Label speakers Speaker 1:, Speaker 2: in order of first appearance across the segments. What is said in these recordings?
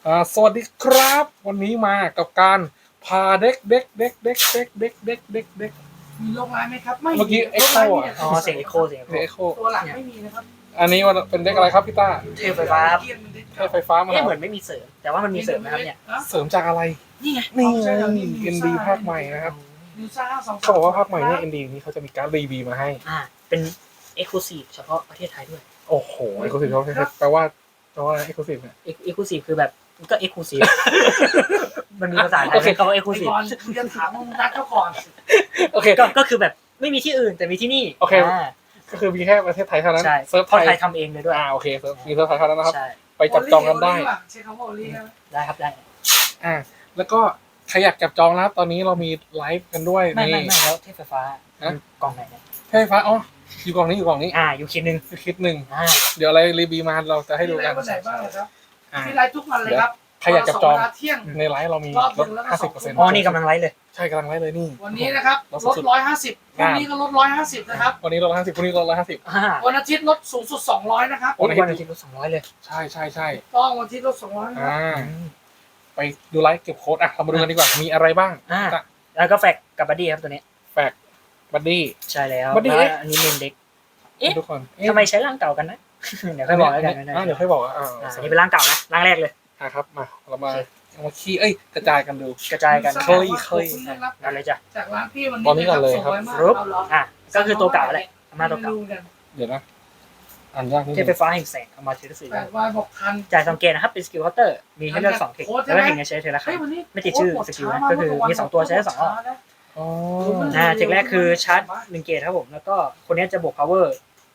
Speaker 1: สวัสดีครับวันนี้มากับการพาเด็ก
Speaker 2: มีโรคร้ายไหมครับไม่
Speaker 1: เมื่อกี้
Speaker 2: โรคร้ายมี
Speaker 1: Echo
Speaker 2: แต่
Speaker 3: อ๋อเสียงเอ็กโคเสียง
Speaker 1: เด็ก
Speaker 3: เอ็
Speaker 1: เอ็
Speaker 3: ก
Speaker 1: ก
Speaker 3: โค
Speaker 1: โค
Speaker 2: ตัวหลังไม่มีนะครับ
Speaker 1: อันนี้มันเป็นเด็กอะไรครับพี่ต้า
Speaker 3: เทพไฟฟ้า
Speaker 2: เกียร์มันเด็ก
Speaker 1: ใช้ไฟฟ้ามา
Speaker 3: เอ๊ะเหมือนไม่มีเสริมแต่ว่ามันมีเสริมนะครับเนี่ย
Speaker 1: เสริมจากอะไร
Speaker 3: นี่ไง
Speaker 1: นี่ไง ND ภาคใหม่นะครับ
Speaker 2: นิวซ่า2
Speaker 1: เขาบอกว่าภาคใหม่เนี่ย ND นี้เขาจะมีการ์ดรีบีมาให้
Speaker 3: เป็นเอ็กซ์คลูซีฟเฉพาะประเทศไทยด้วย
Speaker 1: โอ้โหเอ็กซ์คลูซีฟเขาแปลว่าเอ็กซ์คลูซีฟเนี่ย
Speaker 3: เอ็กซ์คลูซีฟคือแบบก็เอ็กซ์คลูซีฟมันมีภาษาไทยคำว่าเอ็กซ์คลู
Speaker 2: ไอ้
Speaker 3: ซีฟ
Speaker 2: บอลคุณจะถามมึงนัดเขาก่อน
Speaker 1: โอเค
Speaker 3: ก็คือแบบไม่มีที่อื่นแต่มีที่นี่
Speaker 1: โอเค ก็คือมีแค่ประเทศไทยเท่านั้น
Speaker 3: ใช่
Speaker 1: เซิร์ฟ
Speaker 3: คนไท
Speaker 1: ไท
Speaker 3: ย
Speaker 1: ย
Speaker 3: ทำเองเลยด้วย
Speaker 1: โอเคมีเซิร์ฟไทยเท่านั้นนะครับ
Speaker 3: ใช่
Speaker 1: ไปจับจองกันได้
Speaker 2: ใช้คำว่าโอลี่นะ
Speaker 3: ได้ครับได้
Speaker 1: แล้วก็ใครอยากจับจองนะครับตอนนี้เรามีไลฟ์กันด้วย
Speaker 3: ไม่
Speaker 1: นี่
Speaker 3: แล้วเทพไฟฟ้า
Speaker 1: ฮะ
Speaker 3: กล่องไหนเนี่ย
Speaker 1: ใช่ไฟฟ้าอ๋ออยู่กล่องนี้
Speaker 3: อยู่คิดนึง
Speaker 1: คลิปหนึ่ง
Speaker 3: อ่า
Speaker 1: เดี๋ยวอะไรรีบีมาเราจะให้ดู
Speaker 2: มีไล
Speaker 1: กัน
Speaker 2: ฟ์วันไหนบ้างครับ
Speaker 1: อ่า
Speaker 2: มีไลฟ์ทุกวันเลยครับ
Speaker 1: ใครอยากจับจอง
Speaker 2: เวลาเที่ยง
Speaker 1: ในไลฟ์เรามี
Speaker 2: รอบห
Speaker 1: ล
Speaker 2: นึ่
Speaker 1: ด
Speaker 2: งแล้วก็
Speaker 1: 50%
Speaker 3: อ๋อนี่กำลังไลฟ์เลย
Speaker 1: ใช่กำลังไลฟ์เลยนี่
Speaker 2: วันนี้นะครับลด150พรุ่งนี้ก็ลด150นะครับ
Speaker 1: วันนี้ลด50พรุ่งนี้ลด150
Speaker 2: วันอาทิตย์ลดสูงสุด200นะครับ
Speaker 1: โอ้
Speaker 3: วันอาทิตย์ลด200เลย
Speaker 1: ใช่
Speaker 2: ต้องวันอาทิตย์ลด200นะครับ
Speaker 1: ไปดูไลฟ์เก็บโค้ดเรามาดูกันดีกว่ามีอะไรบ้าง
Speaker 3: แล้วก็แฟกกับบัดดี้ครับตัวนี้
Speaker 1: แฟกบัดดี้
Speaker 3: ใช่แล้ว
Speaker 1: Buddy
Speaker 3: แล้วอันนี้เมนเด็ก เอ๊ะ
Speaker 1: ทุกคน
Speaker 3: ทำไมใช้ร่างเก่ากันนะ เดี๋ยวค่อยบอกแล้วกันนะ
Speaker 1: เดี๋ยวค่อยบอก
Speaker 3: นี่เป็นร่างเก่านะร่างแรกเลย
Speaker 1: ครับมาเรามาขี้กระจายกันดู
Speaker 3: กระจายกัน
Speaker 1: เคย
Speaker 3: กันเลยจ้ะ
Speaker 2: จากร้านพี่วัน
Speaker 1: ตอนนี้ก่อนเลยครับ
Speaker 3: รูปก็คือตัวเก่าแหละอำนาจตัวเก่า
Speaker 1: เดี๋ยวนะอ่านยากนิด
Speaker 3: เท
Speaker 1: นึ
Speaker 3: พ
Speaker 1: ง
Speaker 3: ไฟฟ้าแห่งแสงเอามาเทสสี่
Speaker 2: 8 วันบอกทัน
Speaker 3: จ่ายสังเกตนะครับเป็นสกิลเคาน์เตอร์มีให้เลือก2เทคแล้วก็เทคนี้ใช้เทคละครั้
Speaker 2: เฮ้ย
Speaker 3: ง
Speaker 2: วันนี้
Speaker 3: ไม่ติดชื่อสกิลนะก็คือมี2ตัวใช้ได้2รอบ
Speaker 1: อ๋อ
Speaker 3: เทคแรกคือชาร์จ1เกตครับผมแล้วก็คนนี้จะบวก power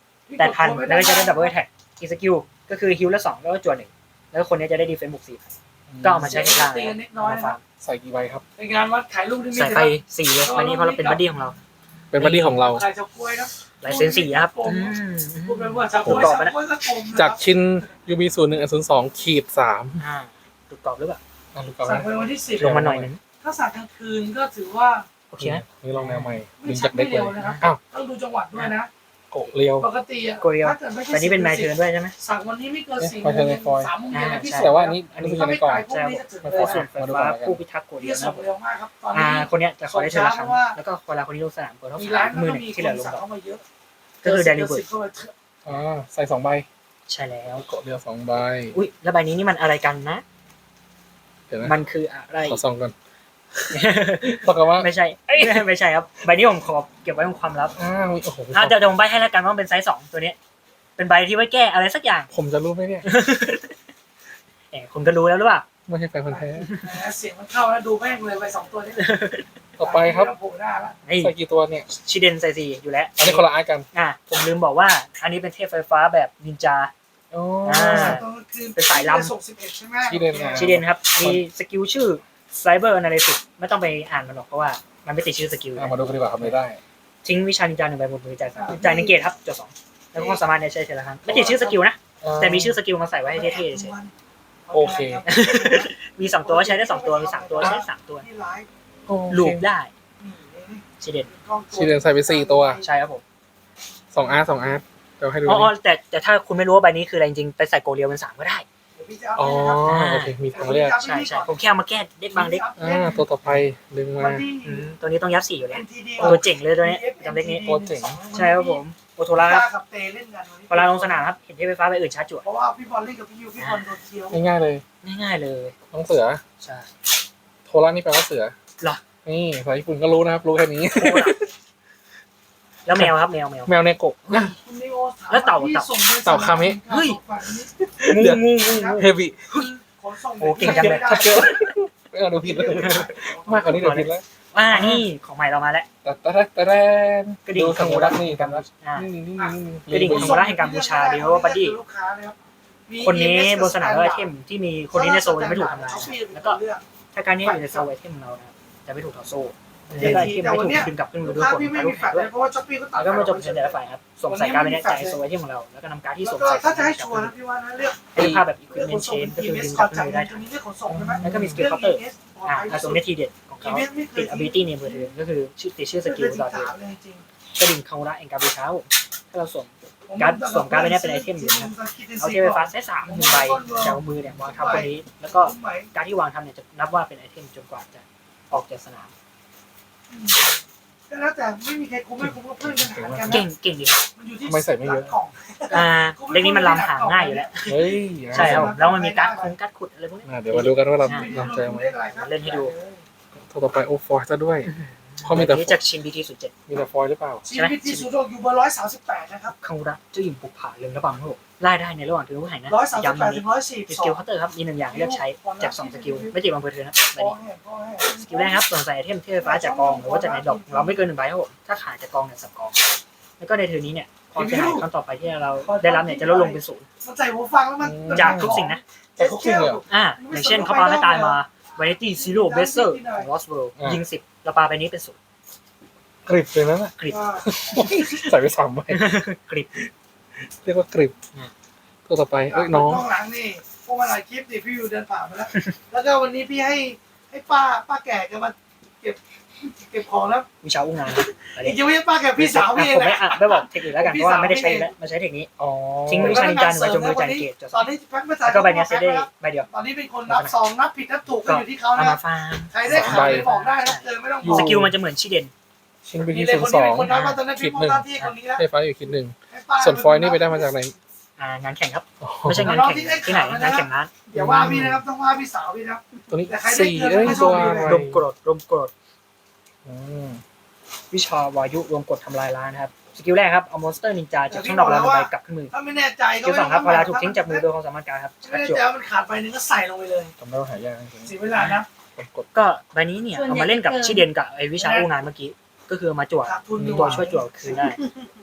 Speaker 3: 8,000แล้วก็จะได้ดับเบิลแท็กอีสกิลก็คือฮิลละ2แล้วก็จวด1แล้วคนนี้จะได้ดีเฟนส์บวก4ก็เอามาใช้ในล่างมาฟาร์ม
Speaker 1: ใส่กี่ใบครับ
Speaker 2: เป็นงานวัดขายลูกนี่
Speaker 3: ใส่ไป4เลยวันนี้เพราะเราเป็นบัดดี้ของเรา
Speaker 1: เป็นบัดดี้ของเรา
Speaker 2: ขายเฉาก๊วยนะ
Speaker 3: ลายเซ็น4นะครับ
Speaker 2: พูดไปว่าเฉาก๊วยสักกลม
Speaker 1: จากชิ้น UB 01 02-3
Speaker 3: ถูกตอบหรือเปล่า
Speaker 1: ลูกกอล์ฟ
Speaker 2: สั่งไปวันที่10
Speaker 3: ลงมาหน่อยนึง
Speaker 2: ถ้าสั่งกลางคืนก็ถือว่า
Speaker 3: โอเคนะ
Speaker 1: นี่ลองแนวใหม่ดึ
Speaker 2: ไม่
Speaker 1: ง
Speaker 2: ชั
Speaker 1: จาก ก
Speaker 2: ไม่
Speaker 1: เด็กเล
Speaker 2: เร็วย นะครับ
Speaker 1: อ้าว
Speaker 2: ต้องดูจังหวัดด้วยนะ
Speaker 1: โกะเรียว
Speaker 2: ปกติอ่ะ
Speaker 3: โกเรียว
Speaker 2: ถ้าเกิดไม่ใช่
Speaker 3: แต่นี่เป็นไมเทิร์นด้วยใช่ไหม
Speaker 2: สั่งวันนี้ไม่เกิน4
Speaker 1: ไปเทิร์นในฟอยล์
Speaker 2: 3 โมงเย็นนะพี่
Speaker 1: แต่ว่าอันนี้อยู่
Speaker 2: ถ้า
Speaker 1: ใน
Speaker 2: ไม่
Speaker 1: กล่อง
Speaker 2: ขายพวกนี้จะถึง
Speaker 1: ไม่
Speaker 2: เล
Speaker 1: พ
Speaker 2: ย
Speaker 1: อ
Speaker 3: ส่วนไฟฟ้าผู้พิทักษ์โกเดี
Speaker 2: พี่
Speaker 3: ยวนะ
Speaker 2: ส่งเร็วมากครับตอนนี้
Speaker 3: คนเนี้ยจะขอได้เทิร์นละครั้งแล้วก็เวลาคนนี้ลงสนามเปิดเท่า
Speaker 2: มี
Speaker 3: สา
Speaker 2: ร้าน
Speaker 3: ม
Speaker 2: ก็
Speaker 3: มือหนึ่ง
Speaker 2: มี
Speaker 3: ที่
Speaker 2: ค
Speaker 3: เหลือน ลง
Speaker 2: สั่ง
Speaker 3: ดอก
Speaker 2: เข้ามาเยอะ
Speaker 3: ก็คือเดลิเวอร์
Speaker 1: ใส่2 ใบ
Speaker 3: ใช่แล้ว
Speaker 1: โกะเรียว2 ใบ
Speaker 3: อุ้ยแล้วใบนี้นี่มันอะไรกันนะ
Speaker 1: เดี๋ยวนะ
Speaker 3: มันคืออะไร
Speaker 1: ขอส่องก่อนบอกกันว่า
Speaker 3: ไม่ใช่ไม่ใช่ครับใบนี้ผมขอเก็บไว้เป็นความลับ
Speaker 1: โอ้โห
Speaker 3: เดี๋ยวผมใบให้แล้วกันว่าเป็นไซส์2ตัวนี้เป็นใบที่ไว้แก้อะไรสักอย่าง
Speaker 1: ผมจะรู้ไหมเนี่ย
Speaker 3: คุณก็รู้แล้วหรือเปล่า
Speaker 1: ไม่ใช่แฟนพันธุ์แท้
Speaker 2: เสียงมันเข้าแล้วดูแม่งเลยไป2 ตัวนี้
Speaker 1: ต่อไปครับ
Speaker 2: โผล่หน้าละ
Speaker 1: ใส่กี่ตัวเนี่ย
Speaker 3: ชิเดนไซซีอยู่แล้ว
Speaker 1: อันนี้คนละอาร์ตกัน
Speaker 3: ผมลืมบอกว่าอันนี้เป็นเทพไฟฟ้าแบบนินจา
Speaker 1: อ๋อ
Speaker 3: เป็นสายลำ
Speaker 2: ส่ง11ใช่ไหม
Speaker 1: ชิเดนไง
Speaker 3: ชิเดนครับมีสกิลชื่อ Cyber Analysis ไม่ต้องไปอ่านมันหรอกเพราะว่ามันไม่ติดชื่อสกิล
Speaker 1: มาดูกันดีกว่าทำไม่ได้
Speaker 3: ทิ้งวิชานินจา1ใบบนมือจ่าย1เกตครับจด2แล้วก็สามารถใช้เทละครั้งไม่ติดชื่อสกิลนะแต่มีชื่อสกิลมาใส่ไว้ให้เท่ๆเฉย
Speaker 1: โอเค
Speaker 3: มี2ตัวใช้ได้2ตัวมี3ตัวใช้ได้3ตัวลูปได้ชิเดน
Speaker 1: ชิเดนใส่ไป4 ตัว
Speaker 3: ใช่ครับผม
Speaker 1: 2 อาร์ต2 อาร์ตเดี๋ยวให้ดู
Speaker 3: แต่ถ้าคุณไม่รู้ว่าใบนี้คืออะไรจริงๆไปใส่โกเรียวเป็น3ก็ได้
Speaker 1: อ๋อโอเคมีทางเลือก
Speaker 3: ใช่ผมแค่เอามาแก้เด็กบางเด็ก
Speaker 1: ตัวต่อไปดึงมา
Speaker 3: ตัวนี้ต้องยัด4อยู่แล้วตัวเจ๋งเลยตัวนี้จำเด็กนี้
Speaker 1: ตัวเจ๋ง
Speaker 3: ใช่ครับผมโอโทราครับ
Speaker 2: กับเตเล่นกัน
Speaker 3: เวลาลงสนามครับเห็นเทพไฟฟ้าไปอื่นชาร์จจั่ว
Speaker 2: เพราะว่าพี่บอลเล่นกับพี่ยูพี่บอลโดนเคี้ยว
Speaker 1: ง่ายๆเลย
Speaker 3: ง่ายๆเลย
Speaker 1: น้องเสือ
Speaker 3: ใช่
Speaker 1: โทระนี่แปลว่าเสือ
Speaker 3: เหรอ
Speaker 1: นี่ภาษาญี่ปุ่นก็รู้นะครับ รู้แค่นี้
Speaker 3: แล้วแมวครับแมว
Speaker 1: แมวเนโกะ
Speaker 3: แล้วเต่า
Speaker 1: เต่าคาเมะ
Speaker 3: เฮ้ย งู
Speaker 1: เฮบิ
Speaker 3: โอ้เก่งจังเลย
Speaker 1: ถ้าเจอไม่เอาดูผิดเลยมากกว่านี้เดี๋ยวผิดแล้ว
Speaker 3: ว่านี่ของใหม่เรามาแล้ว
Speaker 1: แต่
Speaker 3: กระดิ่ง
Speaker 1: ดูสมุรักนี่กันนะ
Speaker 3: อ่า
Speaker 1: นี่
Speaker 3: กระดิ่งของ แห่งการบูชาเดี๋ยวบัดดี้ คนนี้บนสนามไอเทมที่มีคนนี้ในโซนยังไม่ถูกทำลายแล้วก็ถ้าการนี้อยู่ในโซนไอเทมของเรานะครับจะไม่ถูกถอดโซ่แล้วก็ไอเทมไม่ถูกดึงกลับขึ้นมือด้วย
Speaker 2: ถ้า
Speaker 3: ผล
Speaker 2: พี่ไม่
Speaker 3: การลู
Speaker 2: มี
Speaker 3: ก
Speaker 2: แฟ
Speaker 3: แข่
Speaker 2: ล
Speaker 3: ง
Speaker 2: ช
Speaker 3: ด้วย
Speaker 2: เพราะว่าช้อปปี้ก็ตัด
Speaker 3: แล้วก็มาจบในแต่ละฝ่ายครับส่งใส่การไปเนี่ยจ่ายโซนไอเทมของเราแล้วก็นำการที่ส่งใส่
Speaker 2: ถ้าจะให้ชัวร์นะพี่ว่านะเลือก
Speaker 3: เป็นภาพแบบ equipment chain ก็คือดึงกลับขึ้นมือได้
Speaker 2: ตรงนี้เรื่องขนส่งใช่ไหม
Speaker 3: แล้วก็มีสกิลเคาน์เตอร์ส่วนในทีเด็ดของเขาติด ability ในมือถือก็คือติดชื่อสกิลต่อเดือนกระดิ่งคาราเองการบูชาถ้าเราส่งการ์ดสวมการ์ดไปเนี่ยเป็นไอเทมอยู่นะครับเอาเทมไฟฟ้าเซต3 1ใบจากมือเนี่ยวางทับคนนี้แล้วก็การที่วางทับเนี่ยจะนับว่าเป็นไอเทมจนกว่าจะออกจากสนาม
Speaker 2: ก็แล้วแต่ไม่มีใครคุ้มไม่คุ้มก็เพื่อนกันหารกัน
Speaker 3: เก่งดีครับ
Speaker 2: มันอยู่ที่
Speaker 1: ไม่ใส่ไม่เยอะ
Speaker 2: กล่อง
Speaker 3: เด็กนี้มันลำหางง่ายอยู่แล้ว
Speaker 1: เฮ้ย
Speaker 3: ใช่ครับแล้วมันมีการ์ดขุดอะไรพวกนี้
Speaker 1: เดี๋ยวมาดูกันว่าเราเจอไหม
Speaker 3: เล่นให้ดู
Speaker 1: ตัวต่อไปโอฟอยซะด้วยเพราะมีแต่
Speaker 3: นี้จากชินบีที07
Speaker 1: มีแต่ฟอยหรือเปล่า
Speaker 2: ชีวิตที่สุดอยู่เบอร์138นะครับ
Speaker 3: คังระเจ้าหญิงปุกผาเรืองระบำครับผมไล่ได้ในระหว่างถือผู้หายนะ
Speaker 2: 138
Speaker 3: ย้ำตรง
Speaker 2: ถึ
Speaker 3: นี้
Speaker 2: ง
Speaker 3: สกิลเคาน์เตอร์ครับมี1อย่างให้เลือกใช้จาก2สกิลไม่ติดบังเพิร์เธอนะใบนี้สกิลแรกครับสวมใส่ไอเทมเทพฟ้าจากกองหรือว่าจากในดอกเราไม่เกิน1ใบครับผมถ้าขาดจากกองเนี่ย3กองแล้วก็ในเทอร์นี้เนี่ยความเสียหายครั้งต่อไปที่เราได้รับเนี่ยจะลดลงเป็น0
Speaker 2: มันใส่หูฟังแล้วมัน
Speaker 3: จากทุกสิ่งนะ
Speaker 1: แต่ทุกสิ่งเลยเหรอ
Speaker 3: อย่างเช่นเขาปาให้ตายมาวานิตี้ซีโร่เบสเซอร์ของลอสเวิลด์ยิง10เราปาไปนี้เป็น0
Speaker 1: กริบเลยนะน่ะ
Speaker 3: กริบ
Speaker 1: ใส่ไป3ใบ
Speaker 3: กริบ
Speaker 1: เรียกว่ากริบตัวต่อไปเอ้ยน้อง
Speaker 2: ข้างหลังนี่พวกมาหลายคลิปดิพี่อยู่เดินผ่านมาแล้วแล้วก็วันนี้พี่ให้ป้าแก่แกมาเก็บของแล้ว
Speaker 3: วิชาอุ้งงาน
Speaker 2: อีกจะไม่ใช่ป้าแก่พี่สาวพี่เอง
Speaker 3: ผม
Speaker 2: แห
Speaker 3: ไม่
Speaker 2: ละ
Speaker 3: ไม่บอกเทคนิคแล้วกันเพราะว่าไม่ได้ใช้แล้วมาใช้เทคนิค
Speaker 1: อ๋อ
Speaker 3: ทิ้งวิชานินจาหนึ่งไว้จนมือจ่ายเกตจ
Speaker 2: ตอนนี้แพ็คไม่ใส่
Speaker 3: แล้วก็ใบเนี้ยเซตได้ใบเดียว
Speaker 2: ตอนนี้เป็นคนนับซองนับผิดนับถูกก็อยู่ที่เขา
Speaker 3: เอา
Speaker 2: นะ
Speaker 3: มาฟาร์ม
Speaker 2: ใครได้ขายบอกได้นะเจอไม่ต้อง
Speaker 3: สกิลมันจะเหมือนชิเดน
Speaker 1: ชิ้นไป
Speaker 2: มี
Speaker 1: ที่
Speaker 2: เลย
Speaker 1: ศู
Speaker 2: คน
Speaker 1: นย์ส
Speaker 2: นี้
Speaker 1: อง
Speaker 2: เป็นคนนับมาตอนนั้น
Speaker 1: ขี
Speaker 2: พี่
Speaker 1: ด
Speaker 2: ม
Speaker 1: ห
Speaker 2: อง
Speaker 1: นึ่ง
Speaker 2: หน้าที่คนนี้แล้ว
Speaker 1: ไฟฟ้าอยู่ขีดหนึ่งส่วนฟอยนี่ไปได้มาจากไหน
Speaker 3: งานแข่งครับไม่ใช่งานแข่งที่ไหนงานแข่งนั้น
Speaker 2: อย่าว่าพี่นะครับต้องว่าพี่สาวพี่นะ
Speaker 1: ตัวนี้
Speaker 2: แต่ใครได้
Speaker 1: 4
Speaker 2: เกิน
Speaker 1: เอ้ย
Speaker 2: ไม่โช
Speaker 1: ตั
Speaker 2: คว ดี
Speaker 1: อะไร
Speaker 2: เลย
Speaker 3: รวมกรด
Speaker 1: อืม
Speaker 3: วิชาวายุรวมกดทำลายล้างนะครับสกิลแรกครับเอามอนสเตอร์นินจาจากช่องดอกลำใบกลับขึ้นมือ
Speaker 2: ถ้าไม่แน่ใจ
Speaker 3: สกิล2ครับเวลาถูกทิ้งจากมือโดยความสามารถการครับ
Speaker 2: ไม่
Speaker 3: ชัด
Speaker 2: แน่
Speaker 3: จบ
Speaker 2: ใจว่ามันขาดไปนึงก็ใส่ลงไปเลย
Speaker 1: จำได้ว่าหายากจริง
Speaker 2: เสียเวลานะ
Speaker 1: ๆกด
Speaker 3: ก็ใบนี้เนี่ยเอามาเล่นกับชิเดนกับไอวิชาอู้งานเมื่อกี้ก็คือมาจั่ว
Speaker 2: ขาดทุนดีก
Speaker 3: ตัว
Speaker 2: ว่า
Speaker 3: ช่วยจั่วคืนได้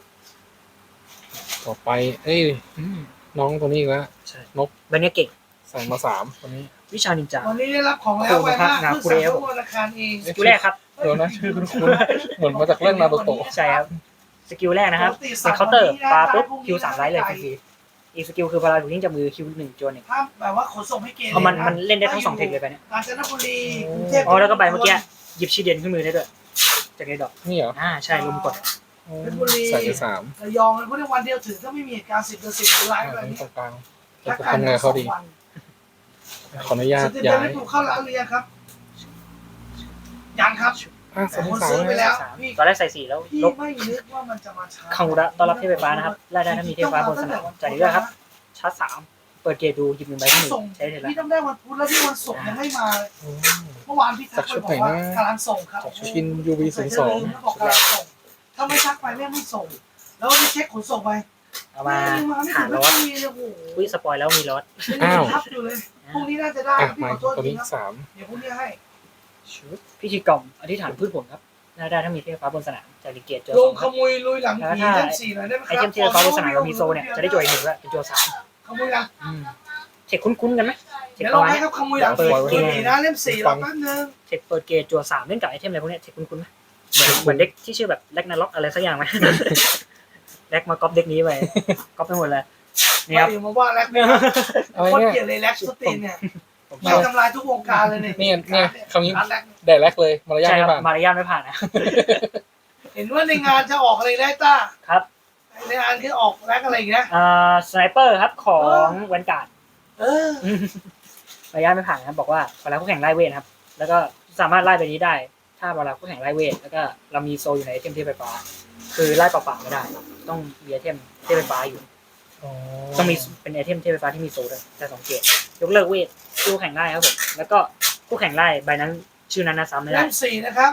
Speaker 1: ต่อไปเอ้ยน้องตัวนี้อีกแล้ว
Speaker 3: ใช่ใบนี้เก่ง
Speaker 1: ใส่มา3ตัวนี้
Speaker 3: วิชานินจา
Speaker 2: วันนี้ได้รับของแล้วไว้มากเพิ่งสั่งเข้าธนาคารเอง
Speaker 3: สกิลแรกครับ
Speaker 1: เดี๋ยวนะชื่อคุ้นๆเหมือนมาจากเรื่องนารูโตะ
Speaker 3: ใช่ครับสกิลแรกนะครับเป็นเคาน์เตอร์ปาปุ๊บคิว3ไลท์เลยฟรีๆอีกสกิลคือเวลาถูกทิ้งจากมือคิว1จวนหนึ่ง
Speaker 2: ถ้าแบบว่าขนส่งให้เกณฑ์
Speaker 3: เพราะมันเล่นได้ทั้ง2เทคเลยไปเนี่ย
Speaker 2: กาญจนบุรีกรุงเทพ
Speaker 3: อ๋อแล้วก็ใบเมื่อกี้หยิบชิเดนขึ้นมือได้ด้วยจากในดอก
Speaker 1: นี่เหรอ
Speaker 3: ใช่ลุมกด
Speaker 1: ใส่ไป3
Speaker 2: ระยองเพราะในวันเดียวถึงถ้าไม่มีเหตุการณ์10 ต่อ 10ไลฟ์แบบ
Speaker 1: อันนี้
Speaker 2: นี้
Speaker 1: ตรงกลางจะทำไงเขาดี ขออนุญาต
Speaker 2: สุดท้า
Speaker 1: ย้าย ย
Speaker 2: ได้ถูกเข้าร้านเรียนครับยังครับ
Speaker 1: สอง
Speaker 2: ผม
Speaker 1: สาม
Speaker 2: ซื้อไปแล้ว
Speaker 3: ตอนแรกใส่4แล้ว
Speaker 2: พี่
Speaker 3: ลบ
Speaker 2: ไม่นึกว่ามันจะมาช้า
Speaker 3: คังระต้อนรับเทพไฟฟ้านะครับไล่ได้ถ้ามีเทพไฟฟ้าบนสนามจ่ายเรื่อยครับชาร์จ3เปิดเกตดูหยิบ1ใบที่มือ
Speaker 2: ส่ง
Speaker 3: ใช้ได้แล้ว
Speaker 2: พี่ต้องได้วันพุธแล้วที่วันศุกร์ยังไม่มาเลยเมื่อวานพี่ทักไปบอกว่ากำลังส่งครับ
Speaker 1: ชิน UV
Speaker 2: ใส่
Speaker 1: 0
Speaker 2: จะลืมแล้วบอกกำลังส่งถ้าไม่ทักไปไม่ส่ง แล้วพี่เช็คขนส่งไป
Speaker 3: เอามา
Speaker 2: ไม่
Speaker 3: หา
Speaker 2: ถึง
Speaker 3: ร
Speaker 2: ไม่
Speaker 3: ถ
Speaker 2: มีเลยโอ้โห
Speaker 3: อุ้ยสปอยแล้วมีรถ
Speaker 2: ทับอยู่เลยพรุ่งนี้น่าจะได้
Speaker 1: อ่ะ
Speaker 2: พี่
Speaker 1: มา
Speaker 2: ขอโทษ
Speaker 1: ตัว
Speaker 2: ที
Speaker 1: นี้
Speaker 2: ครับ
Speaker 1: 3
Speaker 2: เดี๋ยวพรุ่งนี้ให้
Speaker 3: ชุดพิธีกรรมอธิษฐานพืชผลครับไล่ได้ถ้ามีเทพไฟฟ้าบนสนามจ่ายเกตเจอ
Speaker 2: ล
Speaker 3: ส
Speaker 2: ง
Speaker 3: องค
Speaker 2: ข
Speaker 3: รับ
Speaker 2: โมยลุยหลังผีเล่ม4หน่อยได้ไหมค
Speaker 3: ไอ
Speaker 2: รับ
Speaker 3: เทมเทพไฟฟ้าบนสนามเรามีโซเนี่ยจะได้จ่าย1ด้วยเป็นจัว3
Speaker 2: ขโมยหลัง
Speaker 3: เทคคุ้นๆกันไหมเทค
Speaker 2: เดี๋ยว
Speaker 3: ป
Speaker 2: เรา
Speaker 3: ระมาณ
Speaker 2: ให้
Speaker 3: เนี้ย
Speaker 2: เขาขโมยหลังผีตัวนี้นะเล่ม4เราแป๊บนึง
Speaker 3: เทคเปิดเกตจัว3เล่นกับไอเทมอะไรพวกเนี้ยเทคคุ้นๆไหมเหมือนเด็กที่ชื่อแบบแล็กนาล็อกอะไรสักอย่างไหมแล็กมาก๊อปเด็กนี้ไปก๊อปไปหมดเลยนี่ครับ
Speaker 2: มาว่าแล็กเนี่ย
Speaker 1: อะไร
Speaker 2: โคตร
Speaker 1: เนี่ย
Speaker 2: เกลียดเลยแล็กสตีนเนี่ย
Speaker 3: ผม
Speaker 2: ไม่ทำลายทุกวงการเลยเนี่ย
Speaker 1: เนี่ยคำนี้
Speaker 2: ร้านแล็ก
Speaker 1: แดดแรกเลยมารยาท
Speaker 3: ใช่
Speaker 1: ไม่
Speaker 3: ครับ
Speaker 1: ผ่าน
Speaker 3: มารยาทไม่ผ่านนะ
Speaker 2: เห็นว่าในงานจะออกอะไรได้ต้า
Speaker 3: ครับ
Speaker 2: ในงานคือออกแล็กอะไรอย่างเงี้ย
Speaker 3: สไนเปอร์ครับของแวนการ์ด
Speaker 2: เออ
Speaker 3: มารยาทไม่ผ่านนะครับบอกว่าเวลาคู่แข่งไล่เวทครับแล้วก็สามารถไล่ไปนี้ได้ ถ้าเวลาคู่แข่งไล่เวทแล้วก็เรามีโซอยู่ในไอเทมเทพไฟฟ้าคือไล่เปล่าๆไม่ได้ ต้องมีไอเทมเทพไฟฟ้าอยู่ต้องมีเป็นไอเทมเทพไฟฟ้าที่มีโซด้วยแต่2เกตยกเลิกเวทคู่แข่งไล่ครับผมแล้วก็คู่แข่งไล่ใบนั้นชื่อนั้นนะซ้ำไม่ได้
Speaker 2: เล่ม4นะครับ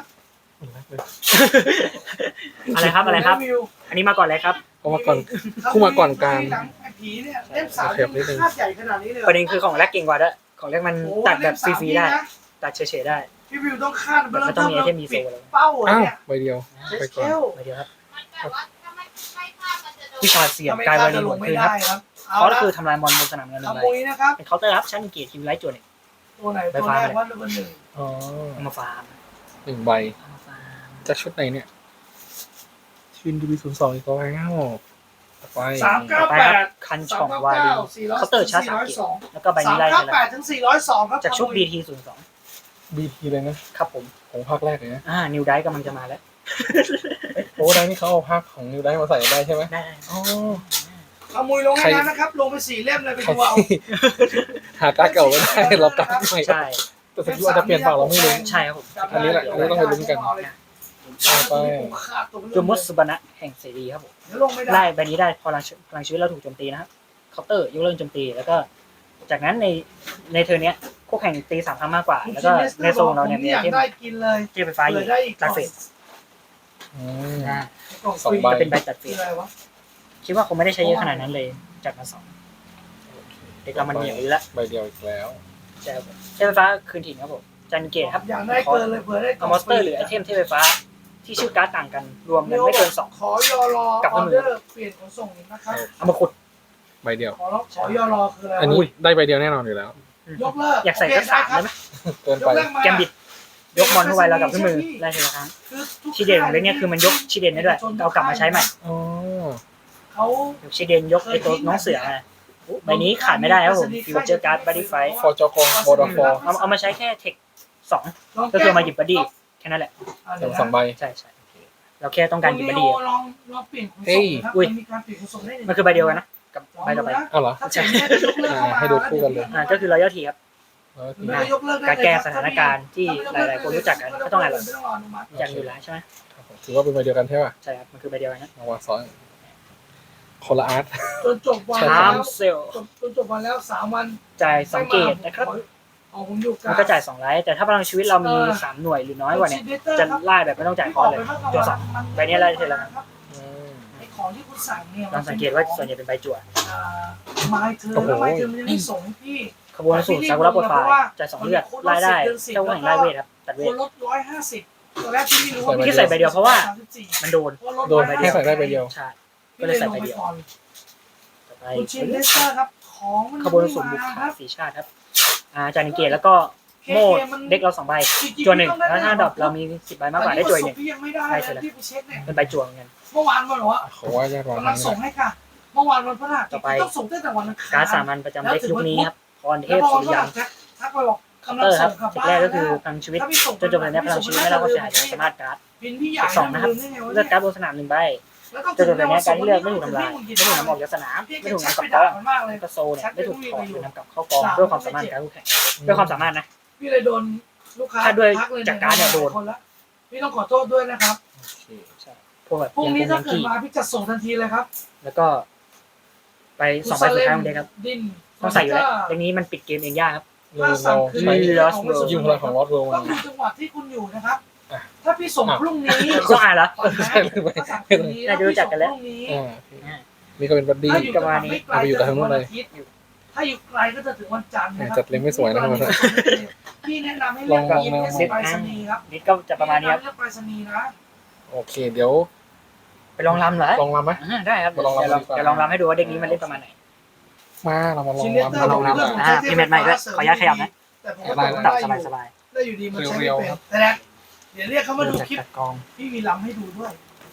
Speaker 3: อะไรครับอะไรครับ อันนี้มาก่อนเลยครับ
Speaker 1: ก็มาก่อน คู่มาก่อนกลาง
Speaker 2: หลังผีเนี่ยเล่ม3
Speaker 1: เข็บนิดนึง
Speaker 2: คาดใหญ่ขนาดนี้เลย
Speaker 3: ประเด็นคือของแรกเก่งกว่าด้วยของแรกมัน
Speaker 2: โอ้
Speaker 3: ตัดแบบ
Speaker 2: เล่ม
Speaker 3: ฟ
Speaker 2: 3
Speaker 3: รีๆได้
Speaker 2: นี่นะ
Speaker 3: ตัดเฉยๆได้
Speaker 2: พี่วิวต้องคาด
Speaker 3: แบบไม่ต้องมีไอเทมมีโซเลย
Speaker 2: เป้า
Speaker 1: อ้าว
Speaker 2: เนี่ย
Speaker 1: ใบเดียว ไปก่อน
Speaker 3: ไปเดียวครับ
Speaker 4: แต่ว่าถ้าไม่พลาดมันจะโดน
Speaker 3: วิชาเสียบ
Speaker 2: ทำไม
Speaker 3: กลาย
Speaker 2: คา
Speaker 3: วั
Speaker 2: ด
Speaker 3: น
Speaker 2: จะ
Speaker 3: นี้
Speaker 2: ล
Speaker 3: หม
Speaker 2: ง
Speaker 3: ด
Speaker 2: ไม่
Speaker 3: คืนค
Speaker 2: ได้
Speaker 3: รับ
Speaker 2: ครับเอา
Speaker 3: เขาก็
Speaker 2: ละ
Speaker 3: คือทำลายมอนบนสนามเงินห
Speaker 2: ข
Speaker 3: นึ่ง
Speaker 2: โม
Speaker 3: ใบ
Speaker 2: ยนะครับ
Speaker 3: เป็นเคาน์เตอร์ครับชั้นเกียรติคิวไลท์จวนเนี่ย
Speaker 2: ตัวไหนตัวแรกว่าตัวหนึ่ง
Speaker 1: อ๋อ
Speaker 3: เอามาฟาร์ม
Speaker 1: 1 ใบ
Speaker 3: เอามาฟาร์ม
Speaker 1: จากชุดไหนเนี่ยชิน UV 0 2อีกแล้วต่อไป
Speaker 3: ต่อไปครับคันช่องวาลีเคาน์เตอร์ชาร์จ3เกียรติแล้วก็ใบนี้ไล่ไปแล้ว
Speaker 2: 398ถึง402ครับ
Speaker 3: จากชุด BT 02
Speaker 1: BT เลยนะครับ
Speaker 3: ผม
Speaker 1: ของภาคแรกเลยนะ
Speaker 3: นิวไดกำลังจะมาแล้ว
Speaker 1: โอ้ได้นี่เขาเอาภาคของนิวได้มาใส่ได้ใช่ไหม
Speaker 3: ได้
Speaker 1: อ๋อ
Speaker 2: ขโมยลงให้นั้นนะครับ ลงไป4 เล่มเลยไปดูเอา
Speaker 1: หาการ์ดเก่าไม่ได้เราการ์ดใหม่
Speaker 3: ใช่
Speaker 1: แต่สกิลอาจจะเปลี่ยนเปล่าเราไม่รู้
Speaker 3: ใช่ครับผม
Speaker 1: อันนี้แหละอันนี้ต้องไปลุ้นกัน เอาไป
Speaker 3: จูมุสบานะแห่งเสรีครับผม
Speaker 2: เดี๋ยวลงไม่ได้
Speaker 3: ไล่ใบนี้ได้พลังชีวิตเราถูกโจมตีนะครับเคาน์เตอร์ยกเลิกโจมตีแล้วก็ จากนั้นในเทอร์เนี้ยคู่แข่งตี3 ครั้งมากกว่า แล้วก็ในโซนเราเนี่ยมี
Speaker 2: อยาก
Speaker 3: เทม
Speaker 2: ได้กินเลย
Speaker 3: เทมไฟฟ้าอยู่
Speaker 2: ได้อีก
Speaker 3: ตัดเฟส
Speaker 1: อืม
Speaker 3: นะ
Speaker 2: กล่อง
Speaker 1: สอง
Speaker 2: ฟรี
Speaker 1: ใบ
Speaker 3: จะเป็นใบตัดเฟ
Speaker 2: คือ
Speaker 3: ส
Speaker 2: อะไรวะ
Speaker 3: คิดว่าคงไม่ได้ใช้เยอะขนาดนั้นเลยจัดมา2เด็กเรามันเหนียวอยู่แล้ว
Speaker 1: ใบเดียวอีกแล้ว
Speaker 3: ใช่ครับผมเทมไฟฟ้าคืนถิ่นครับผมจันเกตครับ
Speaker 2: อยากได้เกินเลยเผื่อได้กล่
Speaker 3: เอา
Speaker 2: อง
Speaker 3: มอนสเตอร์หรือไอเทมเทมไฟฟ้าที่ชื่อการ์ดต่างกันรวมกันไม่เกิน2
Speaker 2: ขอยอรอ
Speaker 3: กับ
Speaker 2: อ
Speaker 3: มื
Speaker 2: อ
Speaker 3: อ
Speaker 2: เดอร์เปลี่ยนขนส่งนะครับ
Speaker 3: เอามาขุด
Speaker 1: ใบเดียว
Speaker 2: ขอยอรอคืออะไร
Speaker 1: อันนี้ได้ใบเดียวแน่นอนอยู่แล้ว
Speaker 2: ยกเลิก
Speaker 3: อยากใส่ก็3ได้ไหม
Speaker 1: เกินไป
Speaker 3: แกมบิดยกมอนเข้าไปแล้วกลับขึ้นมือได้ทีละครั้งชีเดนของเล็กเนี่ยคือมันยกชีเดนได้ด้วยเอากลับมาใช้ใหม่
Speaker 1: อ๋อ
Speaker 2: เขา
Speaker 3: ยกชีเดนยกไอตัวน้องเสือมาใบนี้ขาดไม่ได้ครับผมฟิวเจอร์การ์ดบัดดี้ไฟ
Speaker 1: ฟอร์จอกองบอร์ดฟอร์
Speaker 3: เอามาใช้แค่เทค2ก็คือมาหยิบบัดดี้แค่นั้นแหละ
Speaker 1: สองใบ
Speaker 3: ใช่เราแค่ต้องการหยิบบัดดี้
Speaker 2: ลองเปลี่ยนขน
Speaker 1: เฮ้
Speaker 2: ส่ง
Speaker 1: ย
Speaker 2: นะครับ
Speaker 3: อุ้ย
Speaker 2: มีการเปลี่ยนขนส่งได้
Speaker 3: มันคือใบเดียวกันนะกับใบต่อไป
Speaker 1: อ้าวเหรอ
Speaker 2: ถ้าเปลี่ยนเนี่ยจะยกเลิกเข้ามา
Speaker 1: ให้ดูคู่กันเลย
Speaker 3: ก็คือรอยทีครับ
Speaker 1: แล้ว
Speaker 2: หรือไม่ก็ยกเลิกได้
Speaker 3: การ
Speaker 2: เลย
Speaker 3: แก้
Speaker 2: ครับ
Speaker 3: สถานการณ์ที่หลายๆคนรู้จักกันก็ต้องอ่าน
Speaker 2: ไม่ต้องรออนุมัติ
Speaker 3: อย่างอยู่แล้วใช่ไหม
Speaker 1: ถือว่าเป็นใบเดียวกันใช่ป่ะ
Speaker 3: ใช่ครับมันคือใบเดียวกันนะ
Speaker 1: มาวางซ้อนคนละอาร์ต
Speaker 2: จนจบวัน
Speaker 1: ใช่
Speaker 3: ทา
Speaker 2: แล้ว
Speaker 3: มเซล
Speaker 2: จนจบวันแล้ว3 วัน
Speaker 3: จ่าย2เกตนะครับ
Speaker 2: เอาผมอยู่กั
Speaker 3: มันก็จ่าย2ไลท์แต่ถ้าพลังชีวิตเรามี3หน่วยหรือน้อยกว่าเนี่ยจะไล่แบบไม่ต้องจ่ายคอร์สเลยตัว2ใบนี้ไล่เทละ
Speaker 1: อืม
Speaker 2: ไอ้ของที่คุณสั่งเนี่ย
Speaker 3: ลองสังเกตว่าส่วนใหญ่เป็นใบจั่ว
Speaker 2: ไม้เธอแล้วไม้เธอมันยังไม่ส่งให้พี่
Speaker 3: ขบวนสูตรซากุระปลดปลายจ่าย2เลือดไล่ได้เจ้าแห่งไล่เวทครับตัดเว
Speaker 2: ค
Speaker 3: ท
Speaker 2: นลด150ตอนแรกพี่ไม่รู้ว่า
Speaker 3: ที่ใส่ใบเดียวเพราะว่ามันโดน
Speaker 1: โดนให้ใส่ได้ใบเดียว
Speaker 3: ใช่ก็เลยใส่ใบเดียวต่อไป
Speaker 2: คุณชินเลสเตอร์ครับของมัน
Speaker 3: ขบวนสูตรบุกขาสีชาติครับจานิเกตแล้วก็โม่เด็กเรา2ใบจั่ว1แล้วถ้าดรอปเรามี10ใบมากกว่าได้จั่ว1
Speaker 2: พี่ยังไม่ได้เลยที่ไปเช็คเนี่ย
Speaker 3: เป็นใบจั่วเหมือนกัน
Speaker 2: เมื่อวานวันเหรอ
Speaker 1: เขาว่าญาติวาง
Speaker 2: กำลังส่งให้ค่ะ เมื่อวานวันพฤหัส
Speaker 3: ต่อไป
Speaker 2: ต้องส่งตั้งแต่วันอังคาร
Speaker 3: การ์ดสามัญประจำเด็กยุคนี้ครับพรเท
Speaker 2: แล้ว
Speaker 3: พ
Speaker 2: พอ
Speaker 3: สุ
Speaker 2: วัน
Speaker 3: ริ
Speaker 2: พฤ
Speaker 3: ยั
Speaker 2: หั
Speaker 3: น
Speaker 2: สทักไปบอกกำลั
Speaker 3: เต
Speaker 2: ง
Speaker 3: อร์ค
Speaker 2: ส่
Speaker 3: รับ
Speaker 2: งกลับ
Speaker 3: เทค
Speaker 2: บ้าน
Speaker 3: แรกก็คือพลังชีวิตจนจบเลยเนี่ยพลังชีวิตไม่ได้ความเสียหายสามารถการ์ด
Speaker 2: บินพี่ใหญ่
Speaker 3: 2นะครับเลือกการ์ดบนสนาม1ใบจนจบเลยเนี่ยการที่เลือกไม่ถูกทำลายไม่ถูกนำออกจากสนามไม่ถูกนำกลับกอง
Speaker 2: มันมากเลย
Speaker 3: ก็โซเนี่ยไม่ถูกถอดหรือนำกลับเข้ากองด้วยความสามารถการคู่แข่งด้วยความสามารถนะ
Speaker 2: พี่เลยโดนลูกค้า
Speaker 3: ถ้าด้วย
Speaker 2: ทักเลย
Speaker 3: จากการ์ดเนี่ยโดน
Speaker 2: คนละพี่ต้องขอโทษด้วยนะครับ
Speaker 3: พวกแบบ
Speaker 2: พรุ่ง
Speaker 3: ยัง
Speaker 2: นี้
Speaker 3: คง
Speaker 2: ถ้า
Speaker 3: ยัง
Speaker 2: เกิด
Speaker 3: กี้
Speaker 2: มาพี่จัดส่งทันทีเลยครับ
Speaker 3: แล้วก็ไป2ใบสุดท้ายของเด็กครับ
Speaker 2: ดิน
Speaker 3: ต้องใส่อยู่แล้วเด็กนี้มันปิดเกมเองยากครับ
Speaker 1: เราใช้
Speaker 3: Lost World
Speaker 1: ยิงพลังของวอตโร
Speaker 2: ต้องดูจังหวะที่คุณอยู่นะครับ
Speaker 1: อ่ะ
Speaker 2: ถ้าพี่ส่งพรุ่งนี้
Speaker 3: ต้องอ่านแล้ว
Speaker 2: ก่อนนะถ้าสั่งพรุ่งนี้
Speaker 3: น่าจะรู้จักกันแล้ว
Speaker 2: พรุ่งนี้
Speaker 1: นี่ก็เป็นบัดดี้
Speaker 2: ถ้าอยู่จังหวัดไม่ไกล
Speaker 1: เอาไปอยู่กับทางนู้นเลย
Speaker 2: ถ้าอยู่ไกลก็จะถึงวันจันทร์นะครั
Speaker 1: จัดเล็งไม่สวยนะครับ
Speaker 2: พี่แนะนำให้เลือก
Speaker 1: ลอง
Speaker 2: อีเมสไปรษณีย์ครับ
Speaker 3: นิดก็จะประมาณนี้ครับ
Speaker 2: เลือกไปรษณีย์นะ
Speaker 1: โอเค เดี๋ยว
Speaker 3: ไปลองรำเหรอ
Speaker 1: ลองรำไหม
Speaker 3: ได้ครับ
Speaker 1: มาลองรำดีกว่า
Speaker 3: เดี๋ยวลองรำให้ดูว่าเด็กนี้มันเล่นประมาณไหน
Speaker 1: มาเรามาลอง
Speaker 2: ชินเลสเตอ
Speaker 1: รำ
Speaker 2: ร์
Speaker 1: มาลองรำ
Speaker 2: เรื่อง
Speaker 1: อ่ะ
Speaker 3: พี่เม็ดใหม่ด้วยขออนุญาตขยับนะ
Speaker 2: แต่ผมก็
Speaker 1: ได้
Speaker 2: บอก
Speaker 3: ตั
Speaker 2: ว่า
Speaker 3: บ
Speaker 2: ได้อยู่
Speaker 3: สบาย
Speaker 2: ได้อยู่ดีมันใช้
Speaker 1: เรี
Speaker 2: ไม่
Speaker 1: ยว
Speaker 2: เป็น
Speaker 1: ๆครับ
Speaker 2: แต่นะเดี๋ยวเรียกเขา
Speaker 3: ๆ
Speaker 2: มาดู
Speaker 3: จาก
Speaker 2: คลิป
Speaker 3: จัดกอง
Speaker 2: พี่มีลำให้ดูด้วย